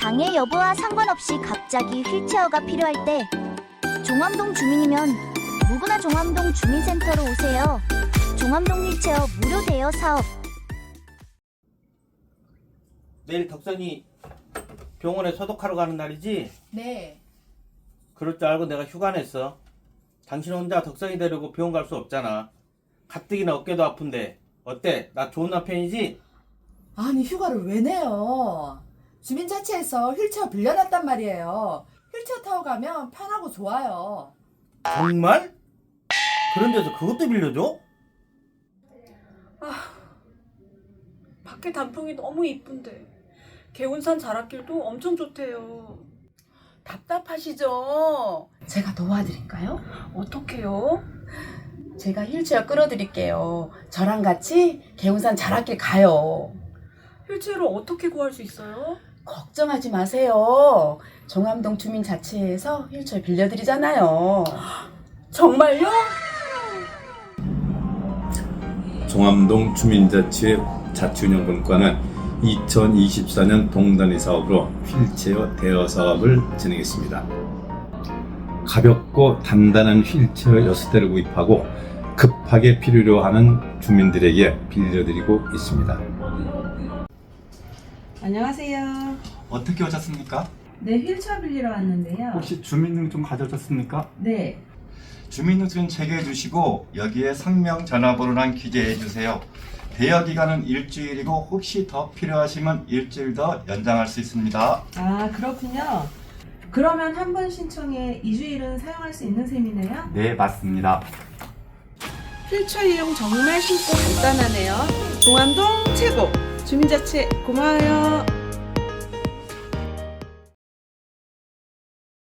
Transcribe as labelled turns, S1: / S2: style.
S1: 장애 여부와 상관없이 갑자기 휠체어가 필요할 때 종암동 주민이면 누구나 종암동 주민센터로 오세요. 종암동 휠체어 무료 대여 사업.
S2: 내일 덕선이 병원에 소독하러 가는 날이지?
S3: 네.
S2: 그럴 줄 알고 내가 휴가 냈어. 당신 혼자 덕선이 데리고 병원 갈 수 없잖아. 가뜩이나 어깨도 아픈데 어때? 나 좋은 남편이지?
S3: 아니 휴가를 왜 내요? 주민자치에서 휠체어 빌려놨단 말이에요. 휠체어 타고 가면 편하고 좋아요.
S2: 정말? 그런 데서 그것도 빌려줘?
S4: 밖에 단풍이 너무 이쁜데 개운산 자락길도 엄청 좋대요.
S5: 답답하시죠? 제가 도와드릴까요?
S4: 어떡해요?
S5: 제가 휠체어 끌어드릴게요. 저랑 같이 개운산 자락길 가요.
S4: 휠체어를 어떻게 구할 수 있어요?
S5: 걱정하지 마세요. 종암동 주민자치회에서 휠체어 빌려드리잖아요. 정말요?
S6: 종암동 주민자치회 자치운영분과는 2024년 동단위 사업으로 휠체어 대여 사업을 진행했습니다. 가볍고 단단한 휠체어 6대를 구입하고 급하게 필요로 하는 주민들에게 빌려드리고 있습니다.
S7: 안녕하세요.
S8: 어떻게 오셨습니까?
S7: 네, 휠체어 빌리러 왔는데요.
S8: 혹시 주민등록 가져오셨습니까?
S7: 네,
S8: 주민등록증 체크해 주시고 여기에 성명 전화번호랑 기재해 주세요. 대여 기간은 일주일이고 혹시 더 필요하시면 일주일 더 연장할 수 있습니다.
S7: 아 그렇군요. 그러면 한 번 신청에 2주일은 사용할 수 있는 셈이네요.
S8: 네, 맞습니다.
S9: 휠체어 이용 정말 쉽고 간단하네요. 동암동 최고! 주민자치 고마워요.